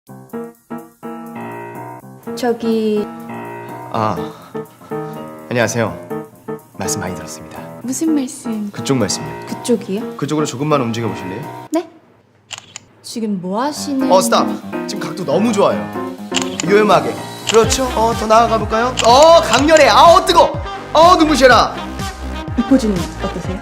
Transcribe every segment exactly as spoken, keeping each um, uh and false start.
저기... 아, 안녕하세요. 말씀 많이 들었습니다. 무슨 말씀? 그쪽 말씀이요. 그쪽이요? 그쪽으로 조금만 움직여 보실래요? 네? 지금 뭐 하시는... 어, 스탑! 지금 각도 너무 좋아요. 요염하게. 그렇죠. 어, 더 나아가 볼까요? 어, 강렬해. 아우, 뜨거! 어, 눈부셔라. 이 포즈는 어떠세요?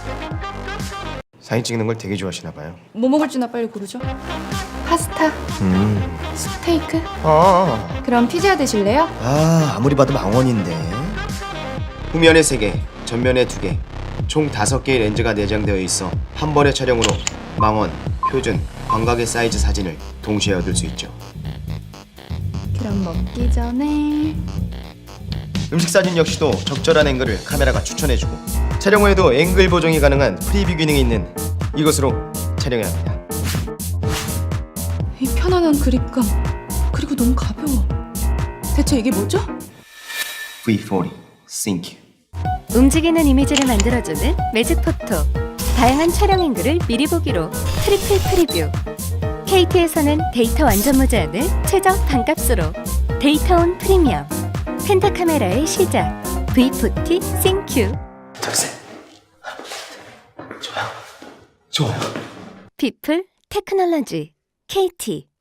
사진 찍는 걸 되게 좋아하시나 봐요. 뭐 먹을지나 빨리 고르죠. 파스타? 음. 스테이크? 아, 그럼 피자 드실래요? 아, 아무리 봐도 망원인데. 후면에 세 개, 전면에 두 개, 총 다섯 개의 렌즈가 내장되어 있어 한 번의 촬영으로 망원, 표준, 광각의 사이즈 사진을 동시에 얻을 수 있죠. 그럼 먹기 전에... 음식 사진 역시도 적절한 앵글을 카메라가 추천해주고 촬영 후에도 앵글 보정이 가능한 프리뷰 기능이 있는 이것으로 촬영해야 합니다. 이 편안한 그립감, 그리고 너무 가벼워. 대체 이게 뭐죠? 브이 포티 Sync. 움직이는 이미지를 만들어주는 매직 포토. 다양한 촬영 앵글을 미리 보기로 트리플 프리뷰. 케이티에서는 데이터 완전 무제한을 최저 반값으로. 데이터온 프리미엄. 펜타 카메라의 시작. 브이 포티 싱큐. 둘셋. 좋아요. 좋아요. 피플 테크놀로지 케이티.